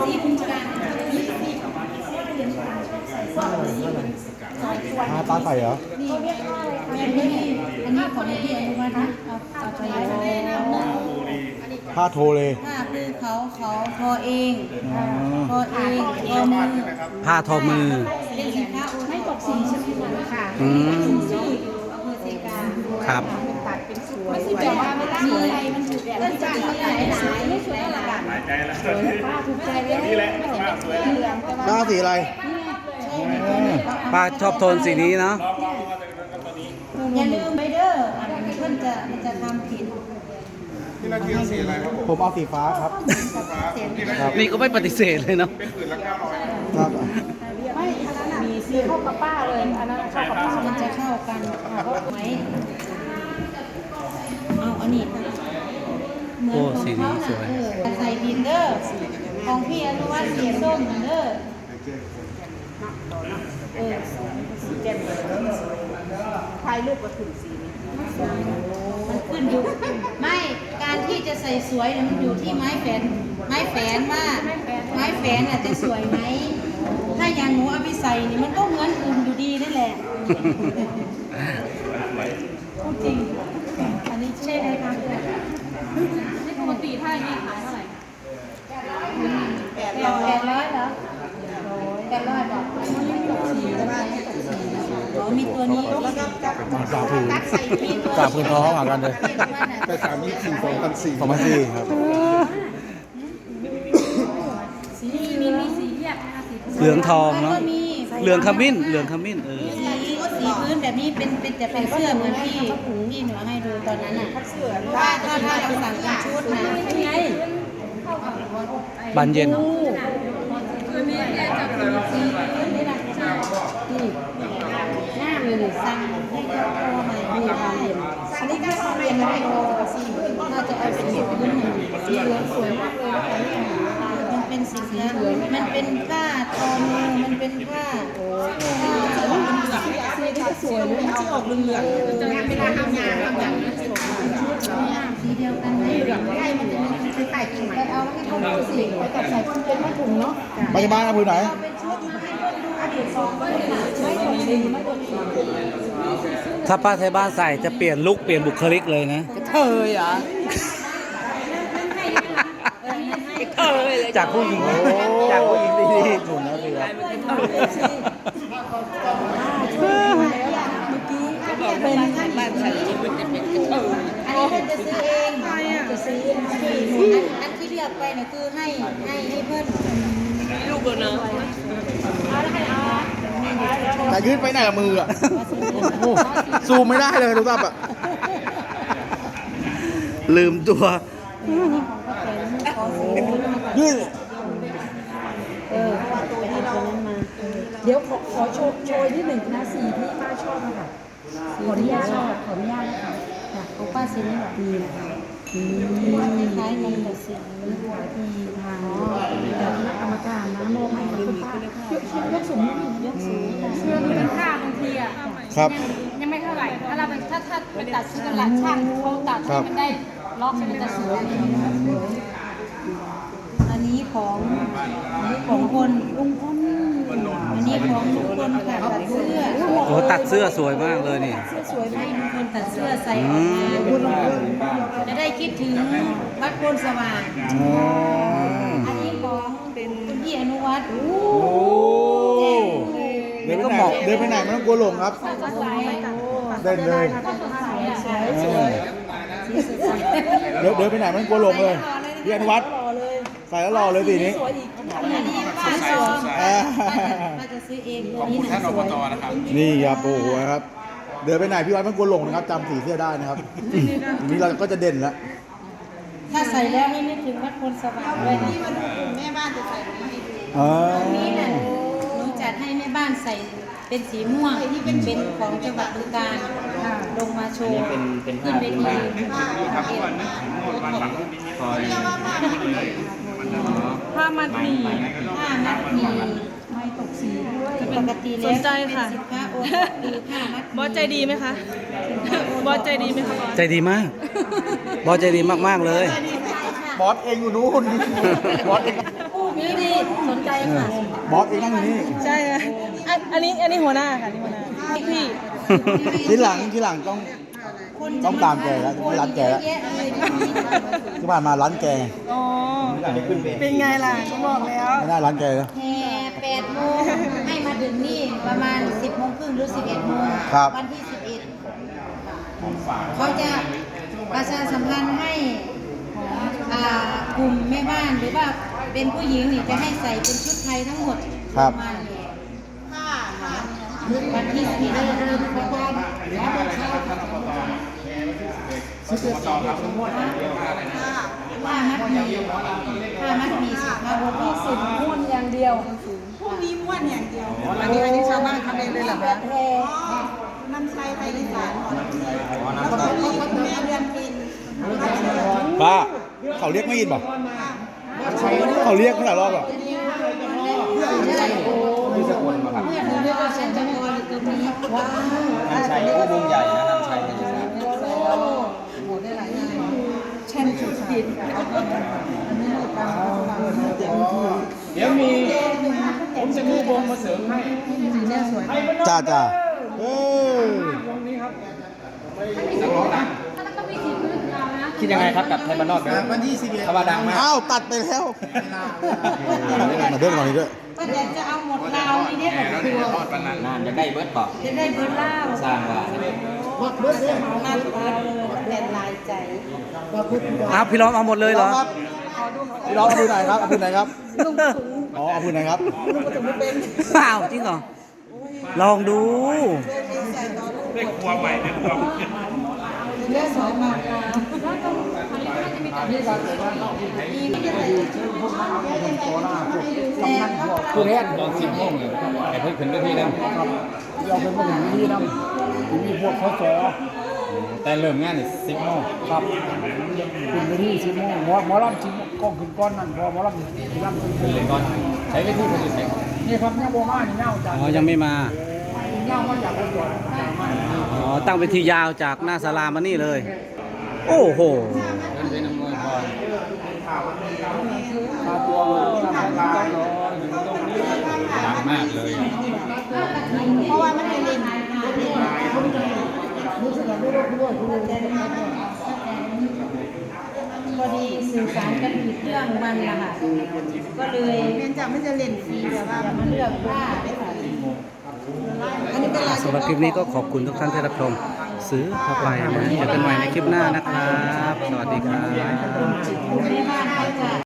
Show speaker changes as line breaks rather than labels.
สีคุณการ
ตาใส่เหรอ
นี่แม่พี่อันนี้ของพี่อนุวัฒน์นะเอาใจ
ผ้าโทเลย
ผ้าคือเขาทอเองทอเองทอมือ
ผ้าทอมือ
เป็นสินค้าไม่ตกสีใช่ไหมคะค่ะชื่ออยู่อำเภอเซกา
ครับ
ตัดเป็นสวยไม่ใช่แบบว่าไม่ได้อะไรมันถูกแบบเล่นจังหลายไม่สวยอะไรกันหลายใจแล้วสวยป้าถูกใจเลยนี่แหละป้าสวย
หน้าสีอะไร
ป้าชอบโทนสีนี้เนาะ
อย่าลืมไปเด้อเพื่อนจะทำผิด
ที่เราเที่ยวสีอะไรครับ
ผมเอาสีฟ้าครับ
นี่ก็ไม่ปฏิเสธเลยเนาะ
เป็นผืนละ900
ครับ
ไม่อันนั้นมีซื้อเข้ากับป้าเลยอันนั้นเข้ากับป้ามันจะเข้ากันไหมเอาอันนี้เหมือนของเขาใส่ดินเด้อของพี่อนุวัฒน์สีส้มเด้อถ่ายรูปก็ถึงสีมันขึ้นอยู่ไม่การที่จะใส่สวยเนี่ยมันอยู่ที่ไม้แฝนว่าไม้แฝนจะสวยไหมถ้าอย่างหนูเอาไปใส่นี่มันก็เหมือนอื่นอยู่ดีนั่นแหละพูดจริงอันนี้ใช่ไหมคะนี่ปกติถ้าอย่างนี้ขายเท่าไหร่800เหรอ800บอกมีตัวนี้
สามผืนท้องเหมือนกันเลย
แต่324
2004ครับ
สีมีสีเรียบ
เหลืองทองเนาะเหลืองขมิ้น
สีพื้นแบบนี้เป็นแต่เป็นเสื้อเหมือนที่หนูให้ดูตอนนั้นน่ะถ้าเราสั่งเป็นชุดนะไง
บานเย็น
คือนี่จะเป็นสีพื้นนี่นะหน้าเลยสั่งให้เขาโทรมาดูบานเย็นอันนี้ก็เรียนแล้วโทรสีพื้นน่าจะเอาสีพื้นสีเหลืองสวยมากเลยมันเป็นสีเหลืองมันเป็นผ้าทอมือมันเป็นผ้าสีที่สวยเลยเอาออกเหลืองๆจะไม่ได้ทำงานสีเดียวกันไม่เหลืองไม่ได้มันจะมีใส่กิ่งไปเอาแล้วให้เขาดูสีไปกับใส่คนเป็นไม่ถุงเนาะ
ไปบ้านเอาผืนไหน
เป็นชุดมาให้คนดูอดีต2คนไม่ตกสีไม่ตกสี
ถ้าป้าไทยบ้านใส่จะเปลี่ยนลุคเปลี่ยนบุคลิกเลยนะ
เธอเหรอ
จากผู้หญิงดีๆ
หนุนนะสิครับ
เป็นบ้านฉันอันนี้ท่านจะซื้อเองจะซื้ออันที่เลือกไปเนี่ยคือให้เพื่อนลูกเนาะ
แต่ยืดไปไหนกับมืออ่ะซูมไม่ได้เลยทุกท่านอ่ะ
ลืมตัว
ยืด
เดี๋ยวขอโชว์ที่หนึ่งนะสีที่ป้าชอบนะคะขออนุญาตนะคะของป้าสีนี้แบบดีนะคะคล้ายๆกันแบบสีดีทางกรรมการนะมองให้คุณป้ายกสูงเสื้อนี่เป็นผ้าบางทีอ่ะ
ครับ
ยังไม่เท่าไหร่ถ้าเราเป็นถ้าไปตัดชุดกันหลังช่างเขาตัดให้มันได้ล็อกให้มันจะสวยอันนี้ของคนลุงพลอันนี้ของลุงพลค่ะตัดเสื้อ
โอ้ตัดเสื้อสวยมากเลยนี่
สวยมากลุงพลตัดเสื้อใส่ออกมาจะได้คิดถึงวัดโพนสว่างอันนี้ของเป็นคุณพี่อนุวัฒน์
เดินไปไหนไม่ต้องกลัวหลงครับเดินเลยเดินไปไหนไม่ต้องกลัวหลงเลยพี่อนุวัฒน์ใส่แล้วรอเลยสีนี้
จะซื้อเอง
ท่านอบตนะครับ
นี่ครับโอ้โหครับเดินไปไหนพี่วัดไม่กลัวหลงนะครับจำสีเสื้อได้นะครับนี้เราก็จะเด่นแล้ว
ถ้าใส่แล้วให้นึกถึงวัดโพนสว่างด้วยนี่มาดูแม่บ้านจะใส่ให้ดูนี่น่ะหนูจัดให้แม่บ้านใส่เป็นสีม่วงที่เป็นของจังหวัดบึงกาฬลงมาโชว์ขึ้นเวทีผ้ามัดหมี่ไม่ตกสีด้วยปกติแล้ว
สนใจค่ะ
สินค้าโอท็อปคือผ้ามัด
บอสใจดีไหมคะบอสใจดีไหมคะบอส
ใจดีมากบอสใจดีมากๆเลย
บอสเองอยู่นู้นบอสเอง
ผู้นี่ดีสนใจค่ะ
บอสเองนั่งอยู่นี่
ใช่ค่ะอันนี้หัวหน้าค่ะนี่หัวหน้าพี่
ทีหลังต้องตามแกแล้วไม่ร้านแกแล้วที่ผ่านมาร้านแก
อ๋อเป็นไงล่ะก็บอกแล้ว
ไม่น่าร้านแกแล้ว
แห่8 โมงให้มาถึงนี่ประมาณ 10 โมงครึ่งหรือ 11 โมง
ครับ
วันที่ 11เขาจะประชาสัมพันธ์ให้กลุ่มแม่บ้านหรือว่าเป็นผู้หญิงนี่จะให้ใส่เป็นชุดไทยทั้งหมด
ครับ
มาวันที่11เริ่มประมาณผ้ามัดหมี่สุภาพบุรุษสุดม้วนอย่างเดียว
พวกนี้ม้วนอย่างเดียว อันนี้ชาวบ้านทำเองเลยเหรอคะน้ำใสไทยอีสานแล้วก็มีแม่เดือนพิน
ป้าเขาเรียกไม่ยินป่ะเขาเรียกเท่าไหร่รอบอ่ะ
เมื่อถึงเวลาฉันจะคอยอยู่ตรงนี้ว้าว
น้ำชัยผู้บุญใหญ่นะน้ำชัยในอีสาน
โหได้หลายงานฉันสุดผิด
เดี๋ยวผมจะมีวงมาเสริมให้
จ้าจ้าเออ
คิดยังไงครับกับไทยบ้านนอกนะวันที่11เขาว่าดังมาก
อ้าวตัดไปแล้วมาเดินก่อนนี้ด้วย
ป้าแดงจะเอาหมดลาวนี่เนี่ยแบบตัว
นานจะได้เบิร์ดบอก
จะได้เบิร์ดล่าว
สร้างว่า
เบิร์ดเลยมากเลยแต่ลายใจ
อ้าวพี่ล้อมเอาหมดเลยเหรอ
พี่น้องเอาพื้นไหนครับเอาพื้นไหนครับอ๋อเอาพื้นไหนครับ
อ้าวจริงเหรอ ลองดู
ได้ครัวใหม่ได้ครัว
เลือดสองมากแล้วก็ต้องนี่ก็แต่ว่า
ผู้แทนตอน10 โมงเลยไอ้เพิ่งขึ้นด้วยที่นั่น
เราเป็นผู้หญิงที่นั่งมีพวกเขาสอ
แต่เริ่มงานนี่10 โมง
ครับขึ้นไปที่10 โมงหมอลำชิมกล้องขึ้นก้อนนั่นพอหมอลำขึ้น
ขึ้นเลยก่อนใช้วิธีคนอื่นใช้
นี่ครับเนี่ยโบมานี่เน่าจาก
อ๋อ ยังไม่มา
เน่ามาจากคนก่อน
อ๋อ ตั้งเวทียาวจากหน้าศาลามานี่เลย โอ้โห
เดินไปน้ำมือพอ
มาตัวทำงานรออยู่ตรงนี้
ดังมากเลย
เพราะว่ามันเป็นเลนพอดีสื่อสารกันผิดเรื่องมันละค่ะก็เลย
เรียนจากไม่จะเล่นฟรีแต่ว่า
มาเลือกผ้าได้ค่ะ
อันนี้เป็นลาย
สำหรับคลิปนี้ก็ขอบคุณทุกท่านที่รับชมซื้อเข้าไปนะเจอกันใหม่ในคลิปหน้านะครับ สวัสดีครับ
แม่บ้านเขาจะ